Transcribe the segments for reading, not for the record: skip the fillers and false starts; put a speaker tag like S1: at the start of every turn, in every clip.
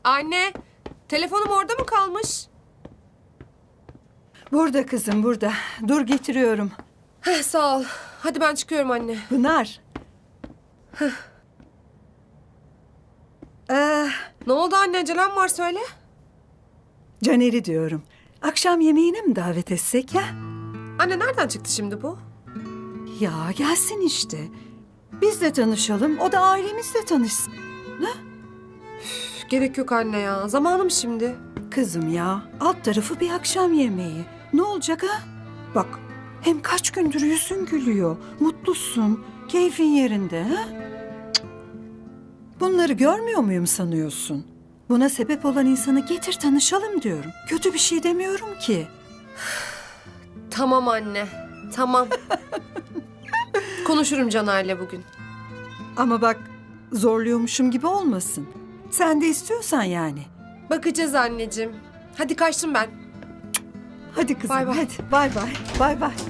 S1: Anne, telefonum orada mı kalmış?
S2: Burada kızım, burada. Dur getiriyorum.
S1: Sağ ol. Hadi ben çıkıyorum anne.
S2: Pınar.
S1: Ne oldu anne? Acelem var söyle.
S2: Caner'i diyorum. Akşam yemeğine mi davet etsek ha?
S1: Anne nereden çıktı şimdi bu?
S2: Ya gelsin işte. Biz de tanışalım, o da ailemizle tanışsın.
S1: Üf, gerek yok anne ya. Zamanım şimdi.
S2: Kızım ya, alt tarafı bir akşam yemeği. Ne olacak ha? Bak, hem kaç gündür yüzün gülüyor, mutlusun, keyfin yerinde ha? Cık. Bunları görmüyor muyum sanıyorsun? Buna sebep olan insanı getir tanışalım diyorum. Kötü bir şey demiyorum ki.
S1: Tamam anne. Tamam. Konuşurum Caner'le bugün.
S2: Ama bak, zorluyormuşum gibi olmasın. Sen de istiyorsan yani.
S1: Bakacağız anneciğim. Hadi kaçtım ben.
S2: Hadi kızım,
S1: Bay bay.
S2: hadi. Bay bay, bay bay.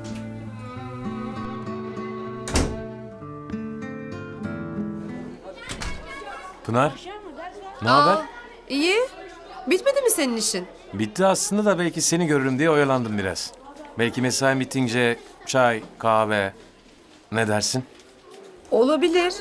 S3: Pınar, ne haber?
S1: İyi. Bitmedi mi senin işin?
S3: Bitti aslında da belki seni görürüm diye oyalandım biraz. Belki mesai bitince çay, kahve. Ne dersin?
S1: Olabilir.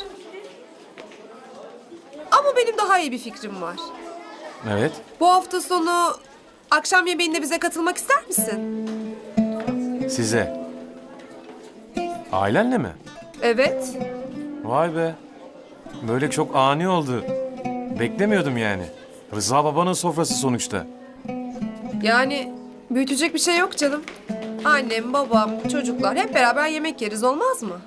S1: Ama benim daha iyi bir fikrim var.
S3: Evet.
S1: Bu hafta sonu akşam yemeğinde bize katılmak ister misin?
S3: Size. Ailenle mi?
S1: Evet.
S3: Vay be. Böyle çok ani oldu. Beklemiyordum yani. Rıza babanın sofrası sonuçta.
S1: Yani büyütecek bir şey yok canım. Annem, babam, çocuklar hep beraber yemek yeriz olmaz mı?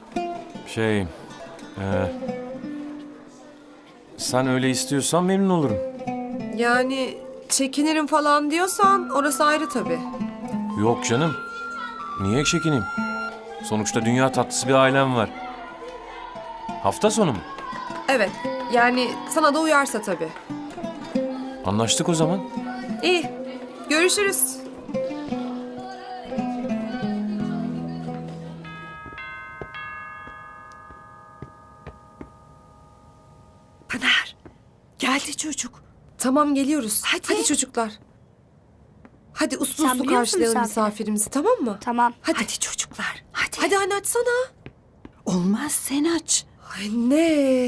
S3: Sen öyle istiyorsan memnun olurum.
S1: Yani çekinirim falan diyorsan orası ayrı tabii.
S3: Yok canım. Niye çekineyim? Sonuçta dünya tatlısı bir ailem var. Hafta sonu mu?
S1: Evet. Yani sana da uyarsa tabii.
S3: Anlaştık o zaman.
S1: İyi. Görüşürüz.
S2: Pınar, geldi çocuk.
S1: Tamam geliyoruz.
S2: Hadi.
S1: Hadi çocuklar. Hadi uslu
S4: Sen
S1: uslu
S4: biliyor musun
S1: karşılayalım
S4: misafiri?
S1: misafirimizi tamam mı?
S4: Tamam.
S1: Hadi.
S2: Hadi çocuklar, hadi.
S1: Hadi anne açsana.
S2: Olmaz, sen aç.
S1: Anne.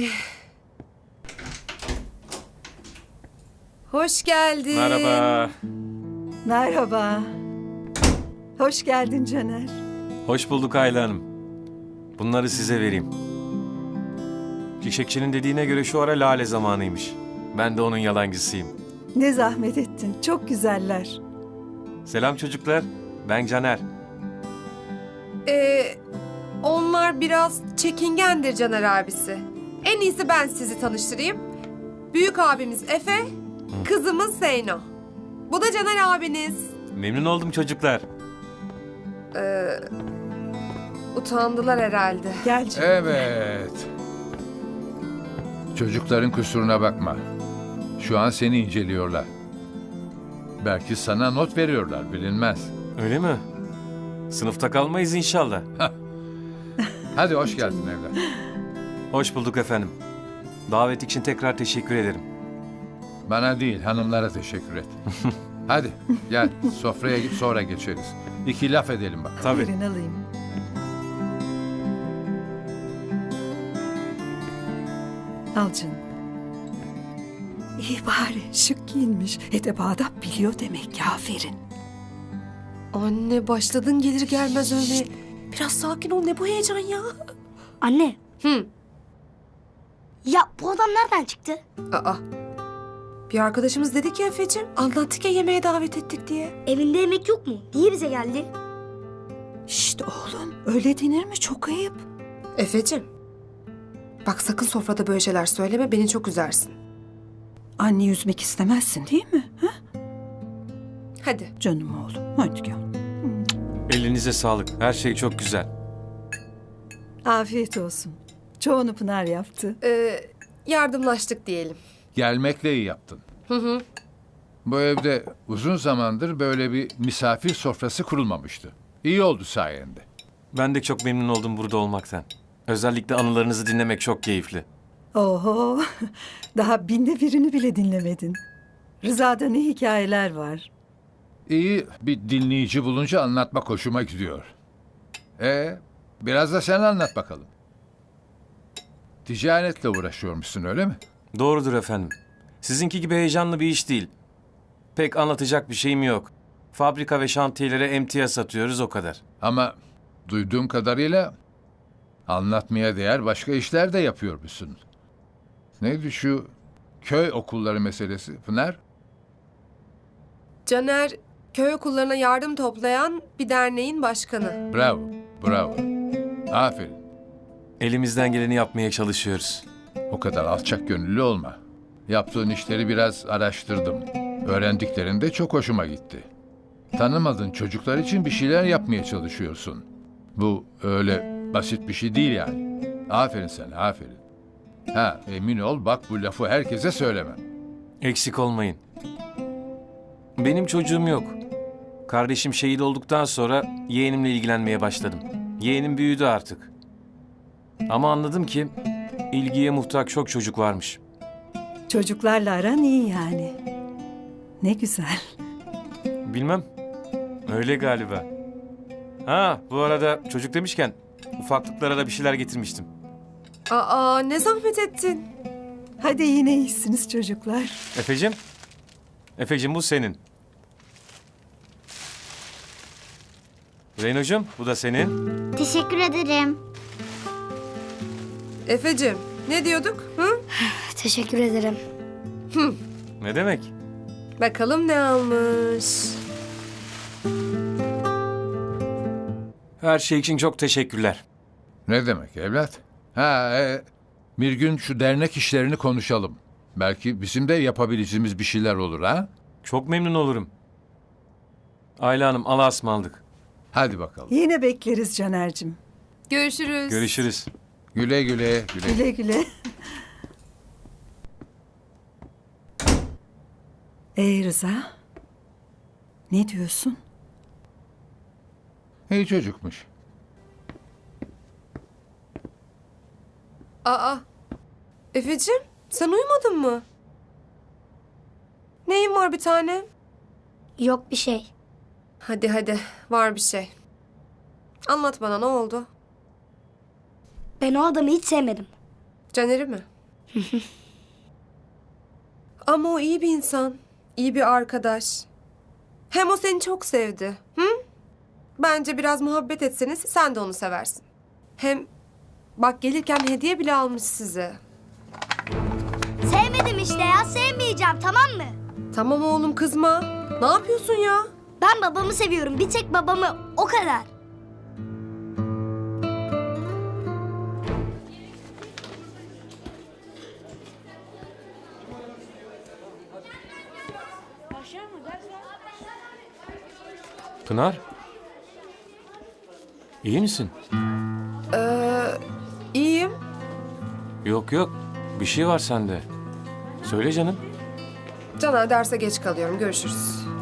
S1: Hoş geldin.
S3: Merhaba.
S2: Merhaba. Hoş geldin Caner.
S3: Hoş bulduk Ayla Hanım. Bunları size vereyim. Çiçekçinin dediğine göre şu ara lale zamanıymış. Ben de onun yalancısıyım.
S2: Ne zahmet ettin, çok güzeller.
S3: Selam çocuklar. Ben Caner.
S1: Onlar biraz çekingendir Caner abisi. En iyisi ben sizi tanıştırayım. Büyük abimiz Efe, kızımız Zeyno. Bu da Caner abiniz.
S3: Memnun oldum çocuklar.
S1: Utandılar herhalde.
S2: Gel canım.
S5: Evet. Çocukların kusuruna bakma. Şu an seni inceliyorlar. Belki sana not veriyorlar, bilinmez.
S3: Öyle mi? Sınıfta kalmayız inşallah.
S5: Hadi hoş geldin evlat.
S3: Hoş bulduk efendim. Davet için tekrar teşekkür ederim.
S5: Bana değil, hanımlara teşekkür et. Hadi gel, sofraya git sonra geçeriz. İki laf edelim bak.
S3: Tabii.
S2: Buyurun alayım. Al canım. İyi bari, şık giyinmiş. Edep adap biliyor demek ki, aferin.
S1: Anne başladın gelir gelmez öyle. Biraz sakin ol ne bu heyecan ya.
S4: Anne.
S1: Hı.
S4: Ya bu adam nereden çıktı?
S1: Aa. Bir arkadaşımız dedi ki Efe'cim anlattık ya yemeğe davet ettik diye.
S4: Evinde yemek yok mu? Niye bize geldi?
S2: Şşt oğlum, öyle denir mi? Çok ayıp.
S1: Efe'cim. Bak sakın sofrada böyle şeyler söyleme beni çok üzersin.
S2: Anne üzmek istemezsin değil mi? Ha?
S1: Hadi.
S2: Canım oğlum, hadi gel.
S3: Elinize sağlık. Her şey çok güzel.
S2: Afiyet olsun. Çoğunu Pınar yaptı.
S1: Yardımlaştık diyelim.
S5: Gelmekle iyi yaptın. Bu evde uzun zamandır böyle bir misafir sofrası kurulmamıştı. İyi oldu sayende.
S3: Ben de çok memnun oldum burada olmaktan. Özellikle anılarınızı dinlemek çok keyifli.
S2: Oho, daha binde birini bile dinlemedin. Rıza'da ne hikayeler var.
S5: İyi bir dinleyici bulunca anlatmak hoşuma gidiyor. Biraz da sen anlat bakalım. Ticaretle uğraşıyormuşsun öyle mi?
S3: Doğrudur efendim. Sizinki gibi heyecanlı bir iş değil. Pek anlatacak bir şeyim yok. Fabrika ve şantiyelere emtia satıyoruz o kadar.
S5: Ama duyduğum kadarıyla anlatmaya değer başka işler de yapıyormuşsun. Neydi şu köy okulları meselesi Pınar?
S1: Caner, köy okullarına yardım toplayan bir derneğin başkanı.
S5: Bravo, bravo. Aferin.
S3: Elimizden geleni yapmaya çalışıyoruz.
S5: O kadar alçak gönüllü olma. Yaptığın işleri biraz araştırdım. Öğrendiklerin de çok hoşuma gitti. Tanımadığın çocuklar için bir şeyler yapmaya çalışıyorsun. Bu öyle basit bir şey değil yani. Aferin sana, aferin. Ha, emin ol bak bu lafı herkese söylemem.
S3: Eksik olmayın. Benim çocuğum yok. Kardeşim şehit olduktan sonra yeğenimle ilgilenmeye başladım. Yeğenim büyüdü artık. Ama anladım ki ilgiye muhtaç çok çocuk varmış.
S2: Çocuklarla aran iyi yani. Ne güzel.
S3: Bilmem. Öyle galiba. Ha, bu arada çocuk demişken ufaklıklara da bir şeyler getirmiştim.
S1: Aa, ne zahmet ettin.
S2: Hadi yine iyisiniz çocuklar.
S3: Efecim? Efecim bu senin. Zeynocuğum bu da senin.
S4: Teşekkür ederim.
S1: Efecim, ne diyorduk? Hı?
S4: Teşekkür ederim.
S3: Ne demek?
S1: Bakalım ne almış.
S3: Her şey için çok teşekkürler.
S5: Ne demek evlat? Bir gün şu dernek işlerini konuşalım. Belki bizim de yapabileceğimiz bir şeyler olur ha?
S3: Çok memnun olurum. Ayla Hanım Allah'a ısmarladık.
S5: Hadi bakalım.
S2: Yine bekleriz Caner'cim.
S1: Görüşürüz.
S3: Görüşürüz.
S5: Güle güle, güle.
S2: Güle güle. Rıza, ne diyorsun?
S5: İyi çocukmuş.
S1: Aa, Efecim, sen uyumadın mı? Neyin var bir tane?
S4: Yok bir şey.
S1: Hadi hadi, var bir şey. Anlat bana, ne oldu?
S4: Ben o adamı hiç sevmedim.
S1: Caner'i mi? Ama o iyi bir insan, iyi bir arkadaş. Hem o seni çok sevdi. Hı? Bence biraz muhabbet etseniz sen de onu seversin. Hem bak gelirken hediye bile almış size.
S4: Sevmedim işte ya, sevmeyeceğim, tamam mı?
S1: Tamam oğlum kızma. Ne yapıyorsun ya?
S4: Ben babamı seviyorum, bir tek babamı, o kadar.
S3: Pınar? İyi misin?
S1: İyiyim.
S3: Yok yok. Bir şey var sende. Söyle canım.
S1: Caner derse geç kalıyorum. Görüşürüz.